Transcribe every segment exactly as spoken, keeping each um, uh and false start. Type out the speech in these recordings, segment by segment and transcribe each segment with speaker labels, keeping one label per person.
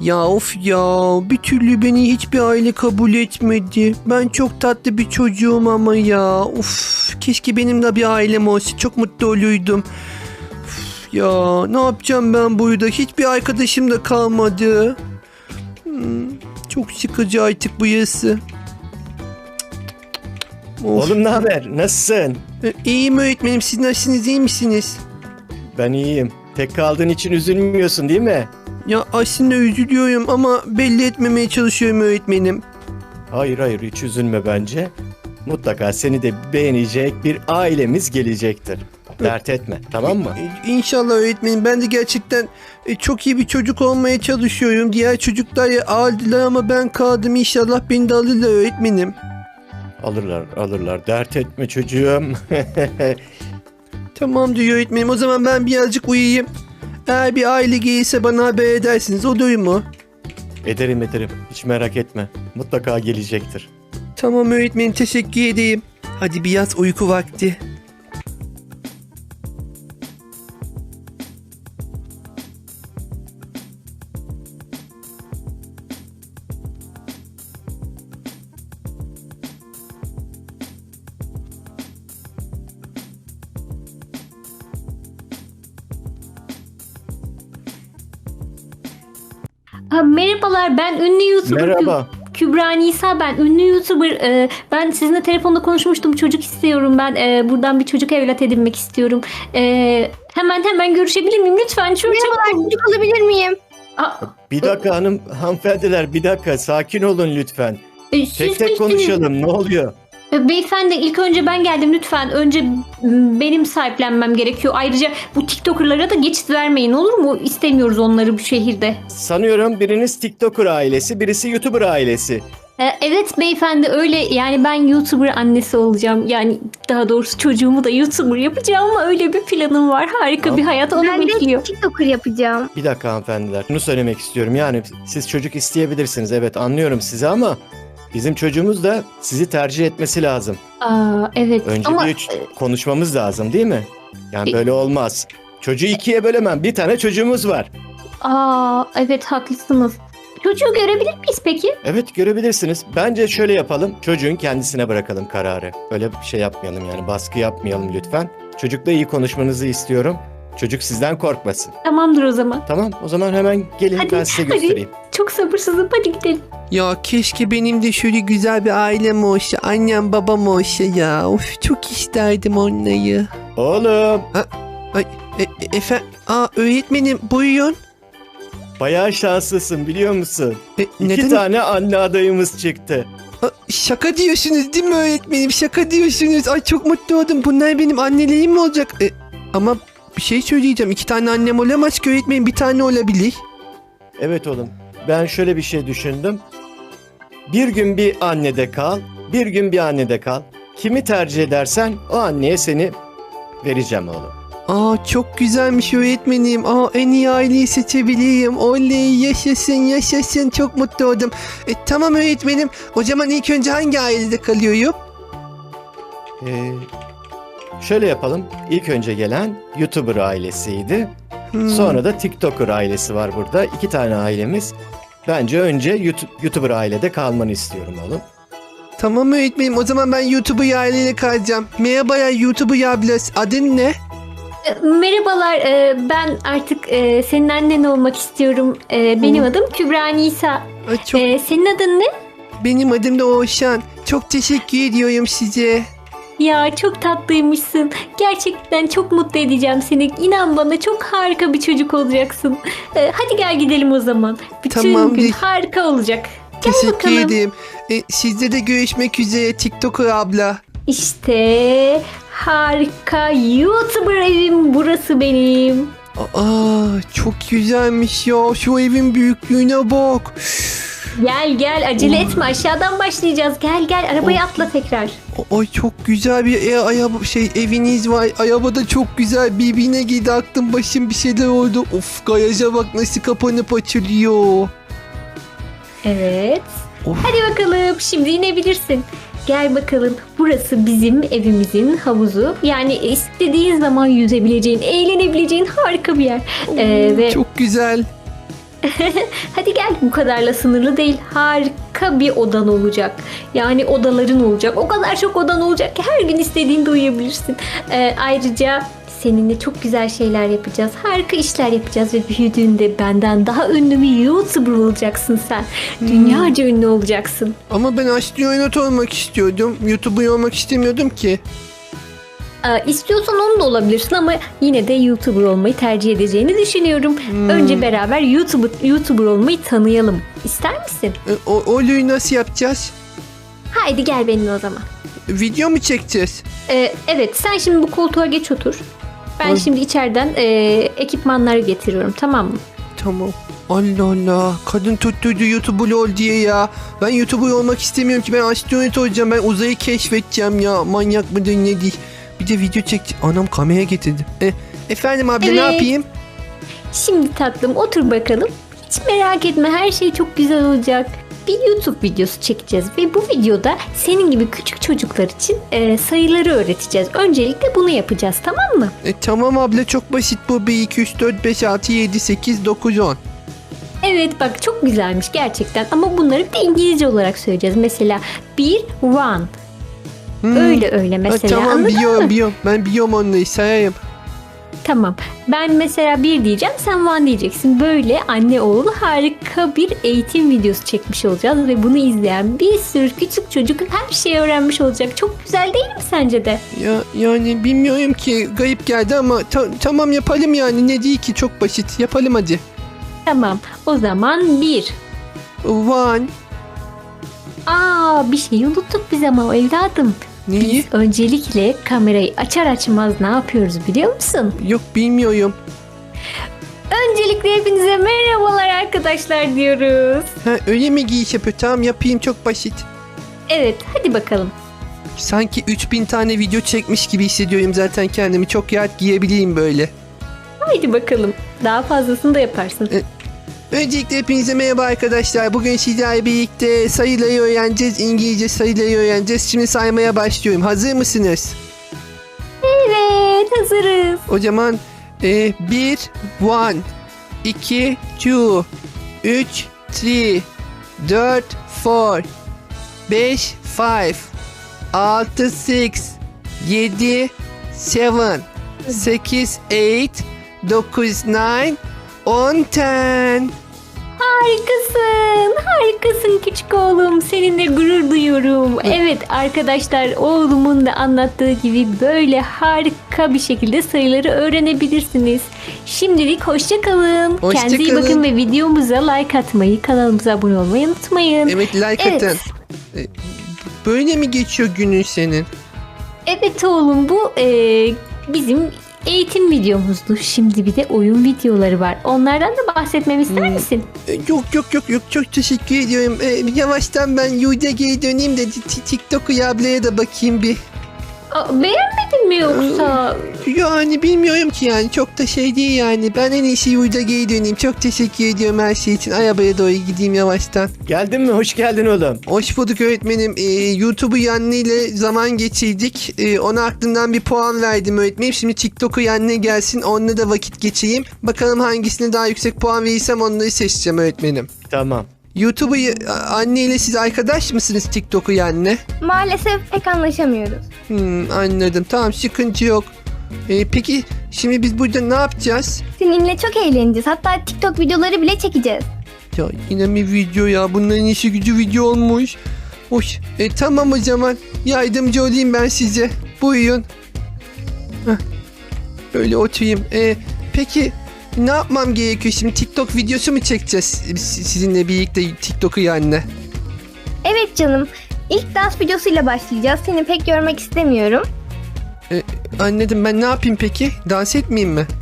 Speaker 1: Ya of ya, bir türlü beni hiçbir aile kabul etmedi. Ben çok tatlı bir çocuğum ama ya. Of, keşke benim de bir ailem olsa, çok mutlu olurdum. Of, ya ne yapacağım ben burada? Hiçbir arkadaşım da kalmadı. Hmm, çok sıkıcı artık bu yazı. Of.
Speaker 2: Oğlum ne haber? Nasılsın?
Speaker 1: E, İyiyim öğretmenim, siz nasılsınız, iyi misiniz?
Speaker 2: Ben iyiyim. Tek kaldığın için üzülmüyorsun değil mi?
Speaker 1: Ya aslında üzülüyorum ama belli etmemeye çalışıyorum öğretmenim.
Speaker 2: Hayır hayır hiç üzülme bence. Mutlaka seni de beğenecek bir ailemiz gelecektir. Dert etme, tamam mı?
Speaker 1: E, İnşallah öğretmenim, ben de gerçekten e, çok iyi bir çocuk olmaya çalışıyorum. Diğer çocuklar ya aldılar ama ben kaldım, inşallah beni de alırlar öğretmenim.
Speaker 2: Alırlar alırlar, dert etme çocuğum.
Speaker 1: Tamam diyor öğretmenim, o zaman ben birazcık uyuyayım. Eğer bir aile gelirse bana haber edersiniz, olur mu?
Speaker 2: Ederim ederim, hiç merak etme. Mutlaka gelecektir.
Speaker 1: Tamam öğretmenim, teşekkür edeyim. Hadi biraz uyku vakti.
Speaker 3: Ha, merhabalar, ben ünlü YouTuber
Speaker 2: Merhaba.
Speaker 3: Kü- Kübra Nisa, ben ünlü YouTuber. Ee, ben sizinle telefonda konuşmuştum, çocuk istiyorum ben. Ee, buradan bir çocuk evlat edinmek istiyorum. Ee, hemen hemen görüşebilir miyim lütfen? Çok
Speaker 4: Merhabalar, çocuk alabilir miyim?
Speaker 3: Aa,
Speaker 2: Bir dakika hanım, hanımefendiler bir dakika sakin olun lütfen.
Speaker 3: e, siz
Speaker 2: Tek tek
Speaker 3: misiniz?
Speaker 2: konuşalım, ne oluyor?
Speaker 3: Ee, Beyefendi, ilk önce ben geldim lütfen. Önce m, benim sahiplenmem gerekiyor. Ayrıca bu TikToker'lara da geçit vermeyin, olur mu? İstemiyoruz onları bu şehirde.
Speaker 2: Sanıyorum biriniz TikToker ailesi, birisi YouTuber ailesi.
Speaker 3: Ee, Evet beyefendi, öyle yani ben YouTuber annesi olacağım. Yani daha doğrusu çocuğumu da YouTuber yapacağım ama öyle bir planım var. Harika
Speaker 2: Tamam.
Speaker 3: bir hayat onu
Speaker 4: Ben de
Speaker 3: bekliyor.
Speaker 4: TikToker yapacağım.
Speaker 2: Bir dakika hanımefendiler. Şunu söylemek istiyorum. Yani siz çocuk isteyebilirsiniz. Evet anlıyorum sizi ama bizim çocuğumuz da sizi tercih etmesi lazım.
Speaker 3: Aa, evet
Speaker 2: Önce
Speaker 3: ama
Speaker 2: bir ç- konuşmamız lazım değil mi? Yani
Speaker 3: E-
Speaker 2: böyle olmaz. Çocuğu ikiye bölemem. Bir tane çocuğumuz var.
Speaker 3: aa, evet haklısınız. Çocuğu görebilir miyiz peki?
Speaker 2: Evet görebilirsiniz. Bence şöyle yapalım. Çocuğun kendisine bırakalım kararı. Öyle bir şey yapmayalım yani. Baskı yapmayalım lütfen. Çocukla iyi konuşmanızı istiyorum. Çocuk sizden korkmasın.
Speaker 3: Tamamdır o zaman.
Speaker 2: Tamam o zaman hemen gelin
Speaker 3: Hadi,
Speaker 2: ben size
Speaker 3: hadi.
Speaker 2: göstereyim.
Speaker 3: Çok sabırsızım, hadi gidelim.
Speaker 1: Ya keşke benim de şöyle güzel bir ailem olsa, annem babam olsa ya. Of, çok isterdim onları.
Speaker 2: Oğlum
Speaker 1: Ay, e, e, efe, aa öğretmenim buyurun.
Speaker 2: bayağı şanslısın biliyor musun?
Speaker 1: E,
Speaker 2: İki
Speaker 1: neden?
Speaker 2: tane anne adayımız çıktı.
Speaker 1: Aa, şaka diyorsunuz değil mi öğretmenim? Şaka diyorsunuz. Ay çok mutlu oldum. Bunlar benim annelerim mi olacak? E, ama bir şey söyleyeceğim. İki tane annem olamaz ki öğretmenim. Bir tane olabilir.
Speaker 2: Evet oğlum ben şöyle bir şey düşündüm. Bir gün bir annede kal, bir gün bir annede kal. Kimi tercih edersen o anneye seni vereceğim oğlum.
Speaker 1: Aa çok güzelmiş öğretmenim. Aa en iyi aileyi seçebileyim. Oley, yaşasın yaşasın. Çok mutlu oldum. E, tamam öğretmenim. O zaman ilk önce hangi ailede kalıyorum?
Speaker 2: Ee, şöyle yapalım. İlk önce gelen YouTuber ailesiydi.
Speaker 1: Hmm.
Speaker 2: Sonra da TikToker ailesi var burada. İki tane ailemiz. Bence önce YouTube, YouTuber ailede kalmanı istiyorum oğlum.
Speaker 1: Tamam öğretmenim. O zaman ben YouTube'u aileyle kalacağım. Merhaba ya YouTube'u ablas. Adın ne?
Speaker 3: Ee, Merhabalar, e, ben artık e, senin annen olmak istiyorum. E, Benim
Speaker 1: Hı.
Speaker 3: adım Kübra Nisa.
Speaker 1: Ay, çok,
Speaker 3: E, Senin adın ne?
Speaker 1: benim adım da Oğuzhan. Çok teşekkür ediyorum size.
Speaker 3: Ya çok tatlıymışsın. Gerçekten çok mutlu edeceğim seni. İnan bana, çok harika bir çocuk olacaksın. Ee, hadi gel gidelim o zaman. Bütün
Speaker 1: Tamam,
Speaker 3: gün
Speaker 1: bir-
Speaker 3: harika olacak. Gel
Speaker 1: Teşekkür
Speaker 3: bakalım.
Speaker 1: ederim. E, sizde de görüşmek üzere TikToker abla.
Speaker 3: İşte harika YouTuber evim burası benim.
Speaker 1: Aa çok güzelmiş ya. Şu evin büyüklüğüne bak.
Speaker 3: Gel gel, acele etme, aşağıdan başlayacağız. Gel gel, arabaya atla tekrar.
Speaker 1: Ay çok güzel bir e, araba şey eviniz var. Araba da çok güzel. Birbirine girdi, aklım başım bir şeyler oldu. Of, garaja bak nasıl kapanıp açılıyor.
Speaker 3: Evet.
Speaker 1: Of.
Speaker 3: Hadi bakalım, şimdi inebilirsin. Gel bakalım, burası bizim evimizin havuzu. Yani istediğin zaman yüzebileceğin, eğlenebileceğin harika bir yer. Ee, ve
Speaker 1: Çok güzel.
Speaker 3: Hadi gel, bu kadarla sınırlı değil. Harika bir odan olacak. Yani odaların olacak. O kadar çok odan olacak ki her gün istediğinde uyuyabilirsin. Ee, ayrıca seninle çok güzel şeyler yapacağız. Harika işler yapacağız ve büyüdüğünde benden daha ünlü bir YouTuber olacaksın sen. Dünyaca ünlü olacaksın.
Speaker 1: Ama ben astronot olmak istiyordum. YouTuber olmak istemiyordum ki.
Speaker 3: Ee, istiyorsan onu da olabilirsin ama yine de YouTuber olmayı tercih edeceğini düşünüyorum.
Speaker 1: Hmm.
Speaker 3: Önce beraber YouTuber, YouTuber olmayı tanıyalım. İster misin?
Speaker 1: E, o, Olu'yu nasıl yapacağız?
Speaker 3: Haydi gel benimle o zaman.
Speaker 1: Video mu çekeceğiz?
Speaker 3: Ee, evet, sen şimdi bu koltuğa geç otur. Ben
Speaker 1: Ay.
Speaker 3: şimdi içeriden e, ekipmanları getiriyorum, tamam mı?
Speaker 1: Tamam. Allah Allah. Kadın tuttuydu YouTuber ol diye ya. Ben YouTuber olmak istemiyorum ki. Ben astronot olacağım. Ben uzayı keşfedeceğim ya. Manyak mıdır ne değil. Bir de video çek. Anam kamera getirdi. E, efendim abla
Speaker 3: Evet.
Speaker 1: ne yapayım?
Speaker 3: Şimdi tatlım otur bakalım. Hiç merak etme, her şey çok güzel olacak. Bir YouTube videosu çekeceğiz ve bu videoda senin gibi küçük çocuklar için e, sayıları öğreteceğiz. Öncelikle bunu yapacağız, tamam mı?
Speaker 1: E, tamam abla çok basit bu. bir, iki, üç, dört, beş, altı, yedi, sekiz, dokuz, on.
Speaker 3: Evet bak, çok güzelmiş gerçekten ama bunları bir de İngilizce olarak söyleyeceğiz. Mesela bir, one.
Speaker 1: Hmm.
Speaker 3: Öyle öyle
Speaker 1: Ha,
Speaker 3: mesela,
Speaker 1: tamam
Speaker 3: anladın
Speaker 1: biliyorum
Speaker 3: mı?
Speaker 1: biliyorum. Ben biliyorum onları sayayım.
Speaker 3: Tamam. Ben mesela bir diyeceğim, sen one diyeceksin. Böyle anne oğul harika bir eğitim videosu çekmiş olacağız ve bunu izleyen bir sürü küçük çocuk her şeyi öğrenmiş olacak. Çok güzel değil mi sence de?
Speaker 1: Ya yani bilmiyorum ki garip geldi ama ta- tamam yapalım yani ne değil ki çok basit yapalım hadi.
Speaker 3: Tamam. O zaman bir.
Speaker 1: One.
Speaker 3: Aa, bir şey unuttuk biz ama evladım.
Speaker 1: Neyi?
Speaker 3: Biz öncelikle kamerayı açar açmaz ne yapıyoruz biliyor musun?
Speaker 1: Yok bilmiyorum.
Speaker 3: Öncelikle hepinize merhabalar arkadaşlar diyoruz.
Speaker 1: Ha, öyle mi giyiş yapıyor? Tamam yapayım çok basit.
Speaker 3: Evet, hadi bakalım.
Speaker 1: Sanki üç bin tane video çekmiş gibi hissediyorum zaten kendimi. Çok rahat giyebileyim böyle.
Speaker 3: Haydi bakalım. Daha fazlasını da yaparsın.
Speaker 1: Öncelikle hepinize merhaba arkadaşlar. Bugün sizlerle birlikte sayıları öğreneceğiz. İngilizce sayıları öğreneceğiz. Şimdi saymaya başlıyorum. Hazır mısınız?
Speaker 3: Evet, hazırız.
Speaker 1: O zaman e, bir, one, iki, two, üç, three, dört, four, beş, five, altı, six, yedi, seven, sekiz, eight, dokuz, nine, on, ten.
Speaker 3: Harikasın, harikasın küçük oğlum. Seninle gurur duyuyorum. Evet arkadaşlar, oğlumun da anlattığı gibi böyle harika bir şekilde sayıları öğrenebilirsiniz. Şimdilik hoşça kalın.
Speaker 1: Hoşça
Speaker 3: Kendinize iyi
Speaker 1: kalın.
Speaker 3: bakın ve videomuza like atmayı, kanalımıza abone olmayı unutmayın.
Speaker 1: Evet like
Speaker 3: Evet.
Speaker 1: atın. E, Böyle mi geçiyor günün senin?
Speaker 3: Evet oğlum, bu e, bizim eğitim videomuzdu. Şimdi bir de oyun videoları var. Onlardan da bahsetmemi ister
Speaker 1: Hmm.
Speaker 3: misin?
Speaker 1: E, Yok yok yok yok çok teşekkür ediyorum. E, yavaştan ben Yu'da geri döneyim de t- TikTok'u ablaya da bakayım bir.
Speaker 3: Aa, beğenmedin mi yoksa?
Speaker 1: Yani bilmiyorum ki yani çok da şey değil yani. Ben en iyisi Yu'da geri döneyim. Çok teşekkür ediyorum her şey için. Arabaya doğru gideyim yavaştan.
Speaker 2: Geldin mi? Hoş geldin oğlum.
Speaker 1: Hoş bulduk öğretmenim. Ee, YouTube'u Yanni ile zaman geçirdik. Ee, ona aklımdan bir puan verdim öğretmenim. Şimdi TikTok'u Yanni gelsin. Onunla da vakit geçireyim. Bakalım hangisine daha yüksek puan verirsem onları seçeceğim öğretmenim.
Speaker 2: Tamam.
Speaker 1: YouTube'u anne ile siz arkadaş mısınız TikTok'u Yanni?
Speaker 4: Maalesef pek anlaşamıyoruz.
Speaker 1: Hmm, anladım. Tamam sıkıntı yok. Ee, peki şimdi biz burada ne yapacağız?
Speaker 4: Seninle çok eğleneceğiz. Hatta TikTok videoları bile çekeceğiz.
Speaker 1: Ya yine bir video ya. Bunların işi gücü video olmuş. Hoş. E, tamam o zaman. Yardımcı olayım ben size. Buyurun. Heh. Böyle oturayım. E, peki ne yapmam gerekiyor şimdi? TikTok videosu mu çekeceğiz si- sizinle birlikte TikTok'u yani?
Speaker 4: Evet canım. İlk dans videosuyla başlayacağız. Seni pek görmek istemiyorum.
Speaker 1: Anladım. Ben ne yapayım peki? Dans etmeyeyim mi?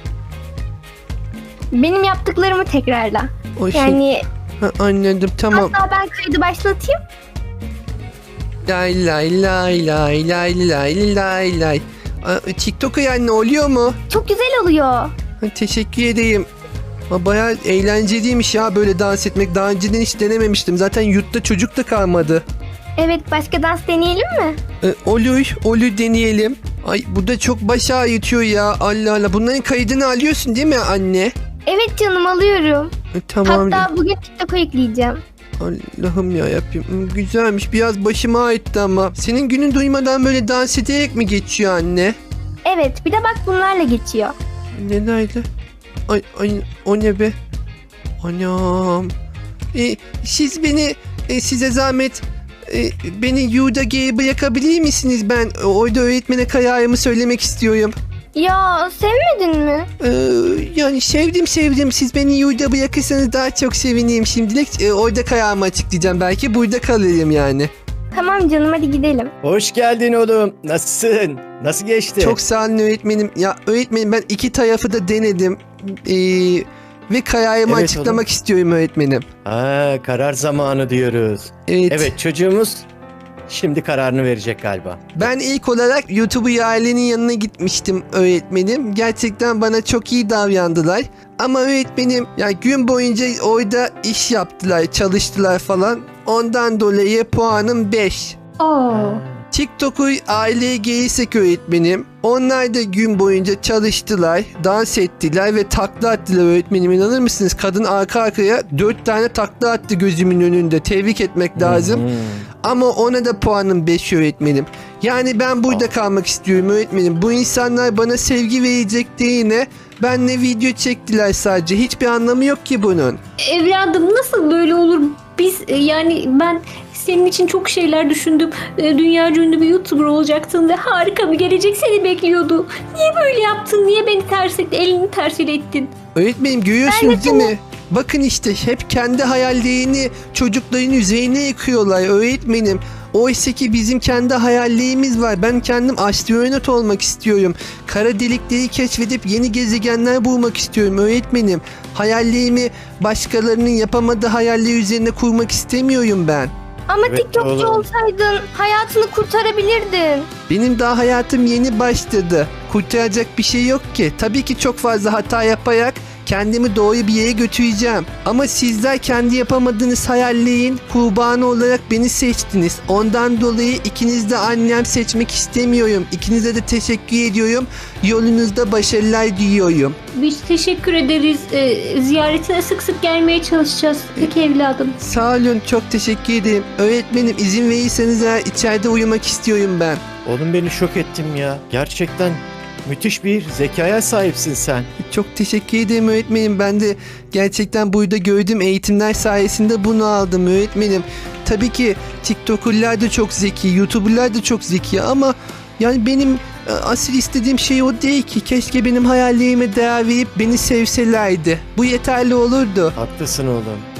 Speaker 4: Benim yaptıklarımı tekrarla.
Speaker 1: O şey-
Speaker 4: Yani
Speaker 1: Ha, anladım. Tamam.
Speaker 4: hatta ben kaydı başlatayım.
Speaker 1: Lay lay lay lay lay lay lay lay. Aa, TikTok'u yani oluyor mu?
Speaker 4: Çok güzel oluyor.
Speaker 1: Ha, teşekkür edeyim. Ha, bayağı eğlenceliymiş ya böyle dans etmek. Daha önceden hiç denememiştim. Zaten yurtta çocuk da kalmadı.
Speaker 4: Evet, başka dans deneyelim mi?
Speaker 1: Ee, olur, olur deneyelim. Ay bu da çok baş ağrıtıyor ya. Allah Allah. Bunların kaydını alıyorsun değil mi anne?
Speaker 4: Evet canım alıyorum.
Speaker 1: E, tamam.
Speaker 4: Hatta bugün TikTok'a yükleyeceğim.
Speaker 1: Allah'ım ya yapayım. Güzelmiş. Biraz başıma aitti ama. Senin günün duymadan böyle dans ederek mi geçiyor anne?
Speaker 4: Evet bir de bak bunlarla geçiyor.
Speaker 1: Nelerle? Ay, ay o ne be? Anam. E, siz beni e, size zahmet e, beni yurda geri bırakabilir misiniz? Ben e, orada öğretmene kararımı söylemek istiyorum.
Speaker 4: Ya sevmedin mi?
Speaker 1: Ee, yani sevdim sevdim. Siz beni yurda bırakırsanız daha çok sevinirim şimdilik. Ee, orada kararımı açıklayacağım. Belki burada kalırım yani.
Speaker 4: Tamam canım hadi gidelim.
Speaker 2: Hoş geldin oğlum. Nasılsın? Nasıl geçti?
Speaker 1: Çok sağ olun öğretmenim. Ya öğretmenim ben iki tarafı da denedim. Ee, ve kararımı
Speaker 2: Evet
Speaker 1: açıklamak istiyorum öğretmenim.
Speaker 2: Ha, karar zamanı diyoruz.
Speaker 1: Evet.
Speaker 2: Evet çocuğumuz şimdi kararını verecek galiba.
Speaker 1: Ben ilk olarak YouTuber ailenin yanına gitmiştim öğretmenim. Gerçekten bana çok iyi davrandılar. Ama öğretmenim ya gün boyunca orada iş yaptılar, çalıştılar falan. Ondan dolayı puanım beş.
Speaker 3: Aa.
Speaker 1: TikTok'u aileye gelirsek öğretmenim. Onlar da gün boyunca çalıştılar, dans ettiler ve takla attılar öğretmenim. İnanır mısınız? Kadın arka arkaya dört tane takla attı gözümün önünde. Tebrik etmek lazım.
Speaker 2: Hmm.
Speaker 1: Ama ona da puanım beş öğretmenim. Yani ben burada kalmak istiyorum öğretmenim. Bu insanlar bana sevgi verecek yine benle video çektiler sadece. Hiçbir anlamı yok ki bunun.
Speaker 3: Evladım nasıl böyle olur? Biz e, yani ben senin için çok şeyler düşündüm. E, Dünyaca ünlü bir YouTuber olacaktın ve harika bir gelecek seni bekliyordu. Niye böyle yaptın? Niye beni ters ettin? Elini ters ettin?
Speaker 1: Öğretmenim görüyorsunuz değil mi? Bakın işte hep kendi hayallerini çocukların üzerine yıkıyorlar öğretmenim. Oysa ki bizim kendi hayallerimiz var. Ben kendim astronot olmak istiyorum. Kara delikleri keşfedip yeni gezegenler bulmak istiyorum öğretmenim. Hayallerimi başkalarının yapamadığı hayaller üzerine kurmak istemiyorum ben.
Speaker 4: Ama
Speaker 2: Evet,
Speaker 4: TikTokçu
Speaker 2: oğlum.
Speaker 4: olsaydın hayatını kurtarabilirdin.
Speaker 1: Benim daha hayatım yeni başladı. Kurtaracak bir şey yok ki. Tabii ki çok fazla hata yaparak kendimi doğru bir yere götüreceğim. Ama sizler kendi yapamadığınız hayallerin kurbanı olarak beni seçtiniz. Ondan dolayı ikiniz de annem seçmek istemiyorum. İkinize de teşekkür ediyorum. Yolunuzda başarılar diliyorum.
Speaker 3: Biz teşekkür ederiz. E, ziyaretine sık sık gelmeye çalışacağız. Peki evladım.
Speaker 1: Sağ olun, çok teşekkür ederim. Öğretmenim izin verirseniz eğer içeride uyumak istiyorum ben.
Speaker 2: Oğlum beni şok ettim ya. Gerçekten müthiş bir zekaya sahipsin sen.
Speaker 1: Çok teşekkür ederim öğretmenim. Ben de gerçekten burada gördüğüm eğitimler sayesinde bunu aldım öğretmenim. Tabii ki TikToker'lar da çok zeki, YouTuber'lar da çok zeki ama yani benim e, asıl istediğim şey o değil ki. Keşke benim hayallerime değer verip beni sevselerdi. Bu yeterli olurdu.
Speaker 2: Haklısın oğlum.